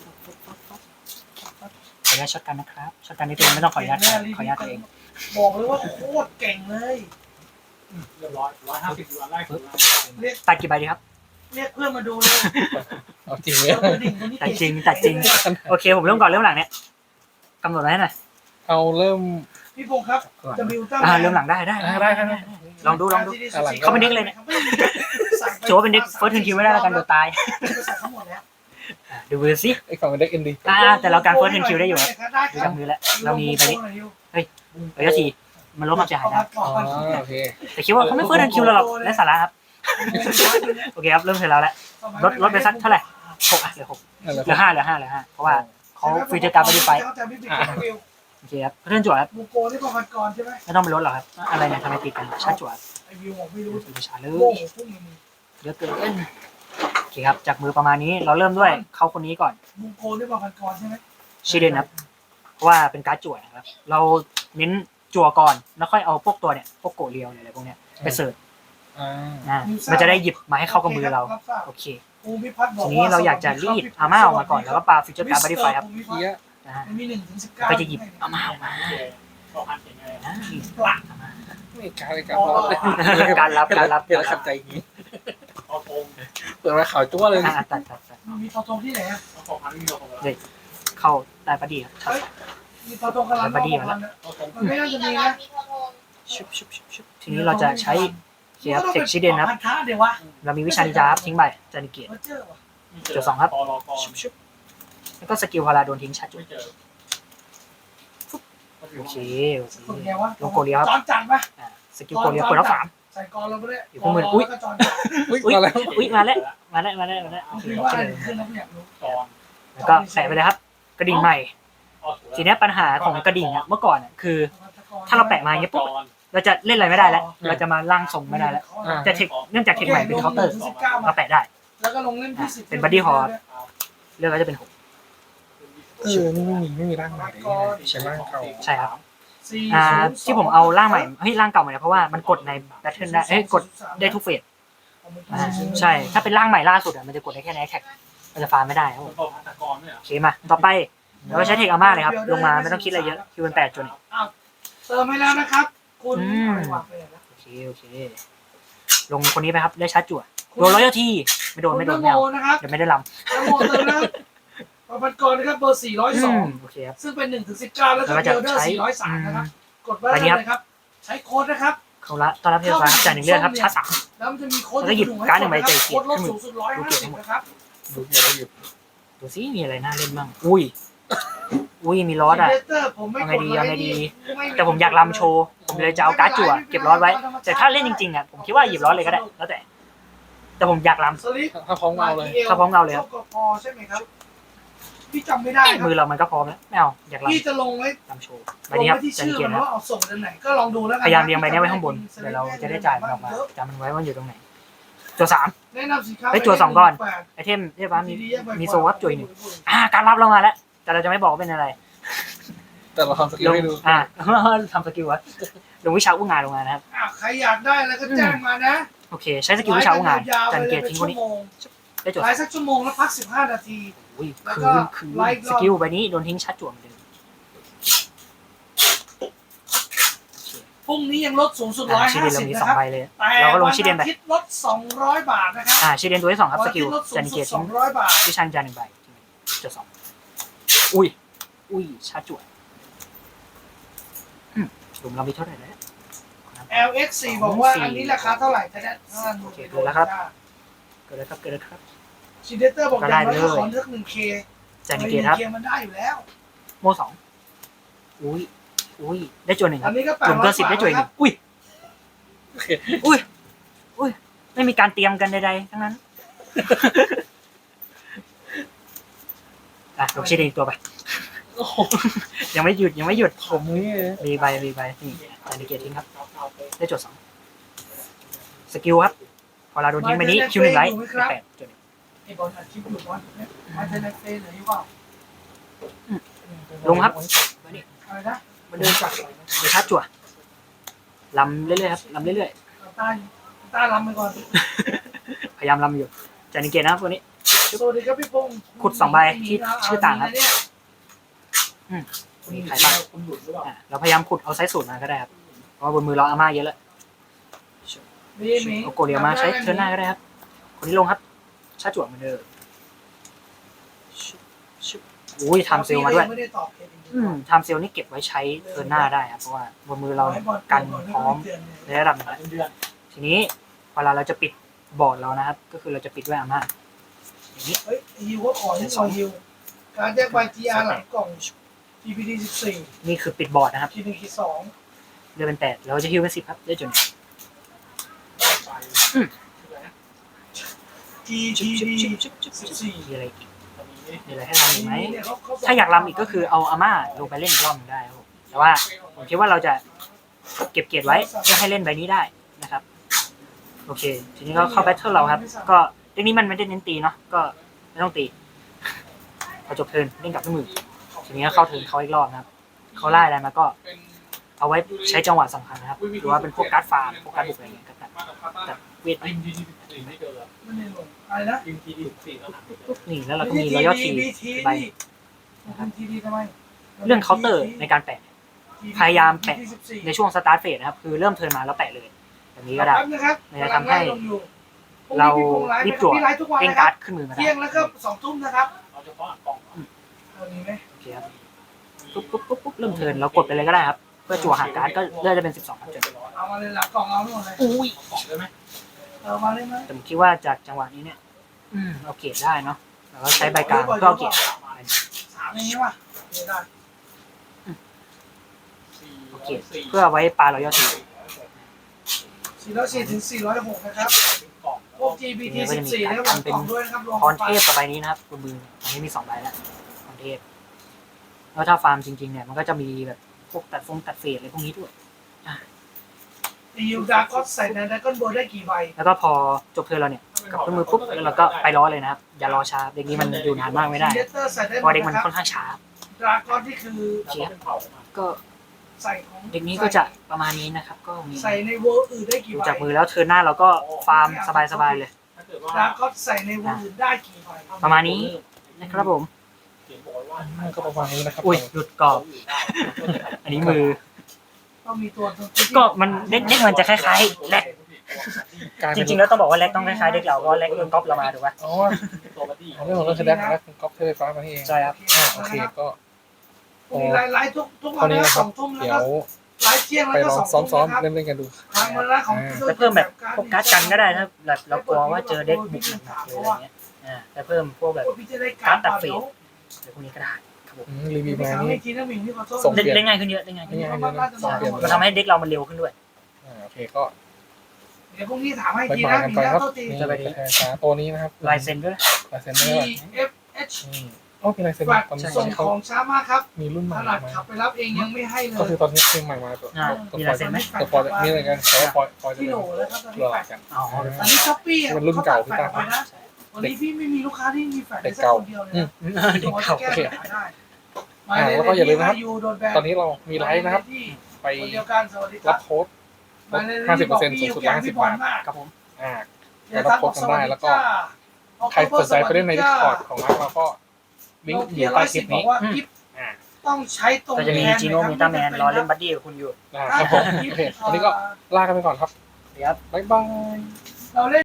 Speaker 3: ขออนุญาตช็อตกันนะครับช็อตกันนิดนึงไม่ต้องขออนุญาตครับขออนุญาตตัวเอง
Speaker 2: บอกเลยว่าโคตรเก่งเลย
Speaker 5: เรียบร้อย150วันไล่คือ
Speaker 2: เรียก
Speaker 3: ตัดกี่ใบดีครับ
Speaker 2: เรียกเพื่อนมาดูเลย
Speaker 1: เอาจริงไหม
Speaker 2: เอาตัวดิ่งคนนี้
Speaker 3: ตัดจริงตัดจริงโอเคผมเริ่มก่อนเริ่มหลังเนี่ยกำหนดไว้ให้หน่อย
Speaker 1: เอาเริ่ม
Speaker 2: พี่พงศ์ครับจะบิวตั้ง
Speaker 3: เริ่มหลังได้ ลองดูเข้าไปเด็กเลยเนี่ยโชว์ว่าเป็นเด็กเฟิร์สเทิร์นคิวไม่ได้แล้วกันเดี๋ยวตาย
Speaker 2: ใส่ทั้งหมดแล้ว
Speaker 3: ดูมือสิ
Speaker 1: ไอ้ฝั่งเป็นเด็กเอ็นดี
Speaker 3: แต่เราการเฟิร์สเทิร์นคิวได้อยู่ครับ
Speaker 2: ได้ค
Speaker 3: ดู
Speaker 2: รั
Speaker 3: จา
Speaker 2: บ
Speaker 3: กมือแล้วเรามีไปนี้ระยะทีมันลดความเสียหายนะ
Speaker 1: อ๋อโอเค
Speaker 3: แต่คิดว่าเขาไม่เฟิร์สเทิร์นคิวเราหรอกไร้สาระครับโอเคครับเริ่มเสร็จแล้วแหละลดไปสักเท่าไหร่6เหลือ6
Speaker 1: นั่นแหละ
Speaker 3: เหลือ5เพราะว่าเขาฟิวเจอร์การ์ดไปโอเคครับเรื่องจั่วครับ
Speaker 2: บูโกที่ประพันกรใช่ไหม
Speaker 3: ไม่ต้องไปลดหรอกครับอะไรเนี่ยทำไมติดกันชาจั่ว
Speaker 2: ไอวิวผมไม่รู้
Speaker 3: สุดชาเล
Speaker 2: โง่
Speaker 3: ย
Speaker 2: พวกมึง
Speaker 3: เยอะเกินโอเคครับจากมือประมาณนี้เราเริ่มด้วยเขาคนนี้ก่อน
Speaker 2: บูโกที่ประพันกรใช่ไหม
Speaker 3: ชิเดนครับเพราะว่าเป็นการ์ดจั่วนะครับเราเน้นจั่วก่อนแล้วค่อยเอาพวกตัวเนี่ยพวกโกเรียวอะไรพวกเนี้ยไปเสิร์ฟ
Speaker 1: อ่า
Speaker 3: มันจะได้หยิบมาให้เข้ากับมือเราโอเค
Speaker 2: ภูมิพัฒน์บอก
Speaker 3: ทีนี้เราอยากจะรีดอาม่าออกมาก่อนแล้วก็ปาฟิวเจอร์การ์ดบัดดี้ไฟครับ
Speaker 1: เฮีย
Speaker 3: นะฮะ
Speaker 2: มันมี1 ถึง 19
Speaker 3: ก็จะหยิบอาม่าออกมา
Speaker 5: พอพันเก่งเลย
Speaker 3: นะ
Speaker 2: ปลัก
Speaker 1: ไม่การรับ
Speaker 3: การรับ
Speaker 1: เดี๋ยวขัดใจอย่างนี้
Speaker 5: พอทง
Speaker 1: เปิดมาข่าวจั่วเลย
Speaker 3: ตัด
Speaker 2: มีทอทงที่ไหนอ่ะ
Speaker 5: พอพันไม่มีพอ
Speaker 3: เข้าได้พอดีครับ
Speaker 2: มมีตัวตรงกำลังมันไม่น่าจะมีนะ
Speaker 3: ชุบทีนี้เราจะใช้เขียบเทคชิเดนครับ
Speaker 2: พันธะเดี๋ยววะ
Speaker 3: เรามีวิชานินจาครับทิ้งใบจานิเกียรติ
Speaker 2: เจอวะ
Speaker 3: จุดสองครับ
Speaker 5: ตอรอกร
Speaker 3: ชุบแล้วก็สกิลพาราโดนทิ้งชัดจุด
Speaker 5: ไม่เจอ
Speaker 3: โอเค
Speaker 2: คนไงวะ
Speaker 3: ลงโกเลียครับ
Speaker 2: จอนจันปะ
Speaker 3: สกิลโกเลียเปิดรับสาม
Speaker 2: ใส่กอนเราไปเลย
Speaker 3: อยู่ข้างบนอุ๊ย
Speaker 2: แล้วก็จอนจัน
Speaker 1: อุ้ย
Speaker 3: อุ้ย
Speaker 1: มาแล้ว
Speaker 3: อุ้ยมาแล้วโอเค
Speaker 2: คือว่าอะไรขึ้นแล้วไม่อยากรู้
Speaker 5: ตอน
Speaker 3: แล้วก็แปะไปเลยครับ กระดิ่งใหม่ ทีนี้ปัญหาของกระดิ่งเมื่อก่อนคือ ถ้าเราแปะมาอย่างเงี้ยปุ๊บเราจะเล่นอะไรไม่ได้แล้ว เราจะมาล่างทรงไม่ได้แล้วจะเทคเนื่องจากเทคใหม่เป็นเคาน์เตอร์เราแปะได้
Speaker 2: แล้วก็ลงเล่นที่10
Speaker 3: เป็น Buddy Horse เลือกก็จะเป็นหก
Speaker 1: นี่ไม่มีร่างใหม่เลยใช้ร่างเก่า
Speaker 3: ใช่ครับที่ผมเอาร่างใหม่ร่างเก่ามาเนี่ยเพราะว่ามันกดในแบทเทิลได้กดได้ทุกเฟสใช่ถ้าเป็นร่างใหม่ล่าสุดมันจะกดได้แค่ในแท็กมันจะฟาร์มไม่ได้ครับผม
Speaker 5: โตพันธกรเนี่ย
Speaker 3: โอเคมาต่อไปเราใช้เทคอาม่าเลยครับลงมาไม่ต้องคิดอะไรเยอะคิวเป็น8 จน
Speaker 2: เติมให้แล้วนะครับ คุณ
Speaker 3: โอเคลงคนนี้ไปครับได้ชาร์จจั่วโดนร้อยทีไม่โดนไม่เอา
Speaker 2: นะครับ
Speaker 3: เดี๋ยวไม่ได้ลำ
Speaker 2: นโมเติมแล้วประพันกรนะครับเบอร์402
Speaker 3: โอเคครับ
Speaker 2: ซึ่งเป็น1 ถึง 19แล้วก็เดลเดอร์403นะครับกดไว้เลยครับใช้โค้ดนะครับ
Speaker 3: เขาละตอนรับเทฟ้าจ่าย1 เลือดครับชาร์จ3
Speaker 2: แล้วมันจะมีโค้ด
Speaker 3: แล้วก็หยิบการ์ดหนึ่งใบใจเกียรติ
Speaker 2: โค้ดลดสูงสุด150นะครับ
Speaker 3: ดูซิมีอะไรน่าเล่นบ้างอุ้ยมีลอสอ่ะ
Speaker 2: ผมไม่
Speaker 3: เอา
Speaker 2: ก
Speaker 3: ไง
Speaker 2: ด
Speaker 3: ดีแต่ผมอยากลำโชว์ผมเลยจะเอาการ์ดจั่วเก็บลอสไว้แต่ถ้าเล่นจริงๆผมคิดว่าหยิบลอสเลยก็ได้แล้วแต่ผมอยากล
Speaker 2: สลิป
Speaker 1: ถ้าพร้อมเอาเลย
Speaker 3: ถ้าพร้อมเอาเลยครับ
Speaker 2: พอใช่ไหมครับพี่จำไม่ได้ครับ
Speaker 3: มือเรามันก็พร้อมแล้วไม่เอาอยาก
Speaker 2: พี่จะลงไว้
Speaker 3: ลำโชว์ใบ
Speaker 2: ลง
Speaker 3: นี้ครับ
Speaker 2: ไว้ที่
Speaker 3: จัน
Speaker 2: ชื่อ
Speaker 3: เกีย
Speaker 2: มั
Speaker 3: ร
Speaker 2: น
Speaker 3: ติครับ
Speaker 2: ว่าเอาส่งเดือนไหนก็ลองดูแล้วกัน
Speaker 3: พยายามเรียงใบนี้ไว้ข้างบนเดี๋ยวเราจะได้จ่ายมันออกมาจำมันไว้ว่าอยู่ตรงไหนจั่ว3
Speaker 2: แนะนำสินค้า
Speaker 3: เฮ้ยจั่ว2ก่อน ไอเทมเรียกว่ามีโซวับจุยหนึ่งการรับเรามาแล้วแต่เราจะไม่บอกว่าเป็นอะไร
Speaker 1: แต่เราทำสกิลให้ดู
Speaker 3: ทำสกิลวะลงวิชาอุ้งงานลงมานะครับ
Speaker 2: ใครอยากได้แล้วก็แจ้งมานะ
Speaker 3: โอเคใช้สกิลวิชาอุ้งงานจันเกียรติทิ้งคนนี้ได้จด
Speaker 2: ไลฟ์สักชั่วโมงแล้วพัก15 นาที
Speaker 3: อุ้ย
Speaker 2: แล้ว
Speaker 3: คื
Speaker 2: ก็
Speaker 3: น
Speaker 2: ไลฟ์ร
Speaker 3: ส
Speaker 2: อบ
Speaker 3: กิลใบนี้โดนทิ้งชัดจั่วเหมือนเดิม
Speaker 2: พรุ่งนี้ยังลดสูงสุด
Speaker 3: ชิเดนเรามี
Speaker 2: 150 นะ
Speaker 3: 2
Speaker 2: ครับ
Speaker 3: ใบเลย
Speaker 2: แต่
Speaker 3: เราก็ลง
Speaker 2: วัน
Speaker 3: ชิเดนไป
Speaker 2: อาทิตย์ลด200 บาทนะครับ
Speaker 3: ชิเดนตัวที่2ครับสกิล
Speaker 2: วันอาทิตย์ลดสู
Speaker 3: จั
Speaker 2: ง
Speaker 3: น
Speaker 2: สุ
Speaker 3: เกียร
Speaker 2: ด
Speaker 3: ติทิ้ง
Speaker 2: 200 บาท
Speaker 3: วิชาจาน1 ใบจด2อุ้ยชัดจั่วหลุมเรามีเท่าไหร่แล้ว
Speaker 2: LX4 บอกว่าอันนี้ราคาเท่าไหร่จะได้
Speaker 3: โอเคเกิดแล้วครับเกิดแล้วครับ
Speaker 2: ชิเดเตอร์บอกอย่างน้อยก็ขอเลือก 1K
Speaker 3: จันเกียรติครับ
Speaker 2: 1K มันได้อยู่แล้ว
Speaker 3: โม2อุ้ยได้จั่ว1ค
Speaker 2: อั
Speaker 3: รั
Speaker 2: น
Speaker 3: บ
Speaker 2: นี้ก็
Speaker 3: จุ่มเกิน10ได้จั่วอีก1อุ้ยไม่มีการเตรียมกันใดๆทั้งนั้นลงชิเดนอีกตัวไป
Speaker 1: โอ้โห
Speaker 3: ยังไม่หยุด
Speaker 1: ผมนี่
Speaker 3: รีใบนี่จันเกียรติทิ้งครับได้จั่ว2สกิลครับพอเราโดนทิ้งไปนี้คิว1ไลท์8จุด
Speaker 2: ไอ้บอลอัดคลิปอยู่บอลมาเทนเฟสหรือเปล่า
Speaker 3: ลงครับ
Speaker 2: อะไรนะ
Speaker 3: มาเดินจับไปชาร์จจั่วลำเรื่อยๆครับลำเรื่อย
Speaker 2: ต้าลำไปก่อน
Speaker 3: ๆพยายามลำอยู่จันเกียรตินะครับตัวนี้
Speaker 2: สวัสดีครับพี่พงศ์
Speaker 3: ขุด2 ใบที่ชื่อต่างครับมีใครบ้าง
Speaker 5: คุณหยุดหรือเปล่า
Speaker 3: เราพยายามขุดเอาไซส์สูตรมาก็ได้ครับเพราะว่าบนมือเราอาม่าเยอะแล้ว
Speaker 2: มี
Speaker 3: เอาโกเลียมาใช้เทิร์นหน้าก็ได้ครับคนนี้ลงครับชาร์จจั่วเหมือนเดิมอุ้ยทำเซลมาด้วย
Speaker 2: ไม่ได้ตอบ
Speaker 3: ทำเซลนี่เก็บไว้ใช้เทิร์นหน้าได้ครับเพราะว่าบนมือเรากันพร้อมในระดับหนึงแล้ว
Speaker 5: เดือน
Speaker 3: ทีนี้เวลาเราจะปิดบอร์ดเรานะครับ ก็คือเราจะปิดด้วยอาม่าอย่างนี้
Speaker 2: เฮ้ยฮิวก็ขอที่ซอยฮิวการแยกใบ GR หลังกล่อง GPD 14
Speaker 3: นี่คือปิดบอร์ดนะครับ
Speaker 2: ที1ที
Speaker 3: เดือนเป็น8เราจะฮิวเป็น10ครับได้จน
Speaker 2: 2 GPD
Speaker 3: มีอะไรอีก
Speaker 5: ตอนนี้
Speaker 3: มีอะไรให้ทำอีกไหมถ้าอยากรำอีกก็คือเอาอาม่าลงไปเล่นอีกรอบหนึงได้ครับผมแต่ว่าผมคิดว่าเราจะเก็บเกียรติไว้เพื่อให้เล่นใบนี้ได้นะครับโอเค ทีนี้ก็เข้าแบทเทิลเราครับ ก็เรื่องนี้มันไม่ได้เน้นตีเนาะก็ไม่ต้องตีพอจบเทิร์นเล่นกับด้วยมือทีนี้ก็เข้าเทิร์นเขาอีกรอบนะครับเขาไล่อะไรมาก็
Speaker 1: เป็น
Speaker 3: เอาไว้ใช้จังหวะสำคัญนะครับหรือว่าเป็นพวกการ์ดฟาร์มพวกการ์ดบุกอะไรอย่างเงี้ยก็ตัด
Speaker 1: มากับพาต้า
Speaker 3: ตัดเวทไป
Speaker 5: ยิงทีดี14ไม่เจอ
Speaker 2: ไม่ได้ลงอะไรนะ
Speaker 5: ยิงทีดี14แล้วหาไม่เจอ
Speaker 3: นี่แล้วเราก็มีรอยทีใบ
Speaker 2: ทีดีทำไม
Speaker 3: เรื่องเคาน์เตอร์ในการแปะ พยายามแปะ ในช่วงสตาร์ทเฟสนะครับคือเริ่มเทิร์นมาแล้วแปะเลยแบบนี้ก็ได้ มันจะทำให้เรารีบจั่วเล่นการ์ดขึ้นมือมาได้
Speaker 2: เที่ยงแล้วก็2 ทุ่มนะครับ
Speaker 5: เอาเฉพาะอ่านกล่อง
Speaker 2: เอานี้ไหม
Speaker 3: โอเคครับ
Speaker 5: ม
Speaker 3: ปุ๊บเริ่มเทิร์นเรากดไปเลยก็ได้ครับเพื่อจั่วหาการ์ดก็เลือกจะเป็น12ครับจน
Speaker 2: เอามาเลยหลังกล่องเอาหมดเลย
Speaker 3: อุ้ย
Speaker 5: ของได้ไหม
Speaker 2: เอามาเลยไหม
Speaker 3: แต่ผมคิดว่าจากจังหวะนี้เนี่ยเอาเกรดได้เนาะแล้วก็ใช้ใบกลางเพื่อเอาเกรด
Speaker 2: สามอย่างนี้ป่ะได้
Speaker 3: เอาเกรดเพื่อเอาไว้ปลารอยตี
Speaker 2: 404ถึง406นะครับพวก GPT 14นะครับหลังกล่องด้วยนะครับรวม
Speaker 3: พรเทพกับใบนี้นะครับคุณมืออันนี้มี2ใบแล้วพรเทพแล้วถ้าฟาร์มจริงๆเนี่ยมันก็จะมีแบบพวกตัดเฟสอะไรพวกนี้ด้วย
Speaker 2: ยูดาร์ก็ใส่ในดราก้อนโบได้กี่ใบ
Speaker 3: แล้วก็พอจบเทิร์นเราเนี่ยกับเครื่องมือปุ๊บแล้วเราก็ไปล้อเลยนะครับอย่ารอช้าเด็กนี้มันอยู่นานมากไม่ได้
Speaker 2: เลเตอร์ใส่ได้
Speaker 3: เพราะเด็กมันค่อนข้างช้า
Speaker 2: ดราก้อนที่คือ
Speaker 3: ก็
Speaker 2: ใส่ของ
Speaker 3: เด็กนี้ก็จะประมาณนี้นะครับก็มี
Speaker 2: ใส่ในเวอร์อื่นได้กี่
Speaker 3: ดู
Speaker 2: ใบ
Speaker 3: จากมือแล้วเทิร์นหน้าเราก็ฟาร์มสบายๆเลย
Speaker 5: ถ้าเกิดว่า
Speaker 2: ดราก้อนใส่ในเวอร์อื่นได้กี่ใบ
Speaker 3: ประมาณนี้นะครับผม
Speaker 1: ก็ประมาณนี้นะครับ
Speaker 3: อุ้ยหลุดกรอบ อันนี้มือ
Speaker 2: ต้องมีตัว
Speaker 3: ก็มันเด็กมันจะคล้ายๆแลก
Speaker 1: กลาย
Speaker 3: จ
Speaker 1: เป็น
Speaker 3: ริงๆแล้วต้องบอกว่าแลกต้องคล้ายๆเด็กเราเพราะแลกโดนก๊อปเรามาถูกป่ะ
Speaker 1: อ๋อ
Speaker 5: ตัวบัดดี้
Speaker 1: เอาเรื่องของเรื่องคือได้แล้วก๊อปเทไฟฟ้ามานี่เอง
Speaker 3: ใช่ครับ
Speaker 1: โอเคก็
Speaker 2: มีไลฟ์ทุก
Speaker 1: ต
Speaker 2: วั
Speaker 1: อน นนี้
Speaker 2: นะ
Speaker 1: นะค
Speaker 2: ส
Speaker 1: รั
Speaker 2: อบ งทุ่มแล้ว
Speaker 1: เดี๋ย
Speaker 2: ก็
Speaker 1: ว
Speaker 2: ไลฟ์เที่ยง
Speaker 1: ไป
Speaker 2: แล้วก็
Speaker 1: ลอง
Speaker 2: สอง
Speaker 1: ซ้อ
Speaker 2: ทุ่
Speaker 1: ม
Speaker 2: มนะครับ
Speaker 1: ๆเล่นๆกันดู
Speaker 2: ทางวันละของ
Speaker 3: แต่เพิ่มแบบพวกการ์ดกันก็ได้ถ้าแบบเรากลัวว่าเจอเด็กบุกหนักๆเลยอะไรเงี้ยแต่เพิ่มพวกแบบ
Speaker 2: พี่จะได้การตัดเฟ
Speaker 3: อะไรพวกนี้ก็ได้ครับผม
Speaker 1: รีวิวมา
Speaker 2: ไม่
Speaker 1: นี่
Speaker 2: ทีนะมิงพี่ขอโทษ
Speaker 1: ส่ง
Speaker 3: เล่นง่ายขึ้นเยอะเล่นง่ายขึ้นเยอะมันทำให้เด็กเรามันเร็วขึ้นด้วย
Speaker 1: โอเคก็
Speaker 2: เดี๋ยวพรุ่งนี้ถามให้
Speaker 1: บาย
Speaker 2: ที
Speaker 1: บาย
Speaker 2: นะ
Speaker 1: กัน
Speaker 2: มิง
Speaker 1: ไป
Speaker 2: แล้ว
Speaker 1: ครับ
Speaker 2: โทษที
Speaker 1: นี่กระแทกฟ้าตัวนี้นะครับ
Speaker 3: ลายเซ็นด้วย
Speaker 1: ลายเซ็นได้ป่ะ
Speaker 2: TFH
Speaker 1: นี่โอ้เป็นลายเซ็น
Speaker 2: ฝาก
Speaker 1: ตอนนี้
Speaker 2: ส่ง
Speaker 1: เขา
Speaker 2: ของช้ามากครับ
Speaker 1: มีรุ่นให
Speaker 2: ข
Speaker 1: ม่
Speaker 2: นาด
Speaker 1: มา
Speaker 2: ขับไปรับเองยังไม่ให้เล
Speaker 1: ก็
Speaker 2: ย
Speaker 1: คือตอนนี้เพลงใหม่มาตัว
Speaker 3: มีลายเซ็นไหม
Speaker 1: ตัวปอยนี่อะไรกันแต่ว่าปอยจะ
Speaker 2: ที่
Speaker 1: เป็
Speaker 2: โหล
Speaker 1: น
Speaker 2: แล้วครับตอน
Speaker 1: ตัว
Speaker 2: นี้
Speaker 1: ห
Speaker 2: แฟ
Speaker 1: ลั
Speaker 2: ด
Speaker 1: กกัน
Speaker 3: อ๋อ
Speaker 2: ตอนนี้ช้อปปี้
Speaker 1: เป็นรุ่นเก่าที่
Speaker 2: แฟ
Speaker 1: ตา
Speaker 2: ด
Speaker 1: ม
Speaker 2: ไปนะวันนี้พี่ไม่มีลูกค้าที่มีแฟด
Speaker 1: เด็
Speaker 2: ได้
Speaker 1: ก
Speaker 2: สัก
Speaker 1: เก่า
Speaker 2: คนเดียวเลย
Speaker 3: เด็ก
Speaker 2: ตัว
Speaker 3: เก่า
Speaker 2: แก้ปัญหาได้
Speaker 1: แล้วก็อย่าลืมนะครับ
Speaker 2: ยูโดนแบน
Speaker 1: ตอนนี้เรามีไลฟ์นะครับ ไป
Speaker 2: คนเดียวกันสวัสดีค
Speaker 1: รั
Speaker 2: รั
Speaker 1: บบ โค้ดลด50%สูงสุด150 บาท
Speaker 3: ครับผม
Speaker 1: รับโค้ดกันได้แล้วก็ใครสนใจไปเล่นใน Discord ของเราก็ลิงก์อยู่ใต้คลิปนี้ อ่า
Speaker 2: ต้องใช้ตรง
Speaker 3: ก็จะมีจีโน่มิต้าแมนรอเล่นบัดดี้กับคุณอยู่
Speaker 1: ครับผมโอเควันนี้ก็ลากันไปก่อนครับ
Speaker 3: เดี๋ยว
Speaker 1: บ๊ายบาย
Speaker 2: เราเล่น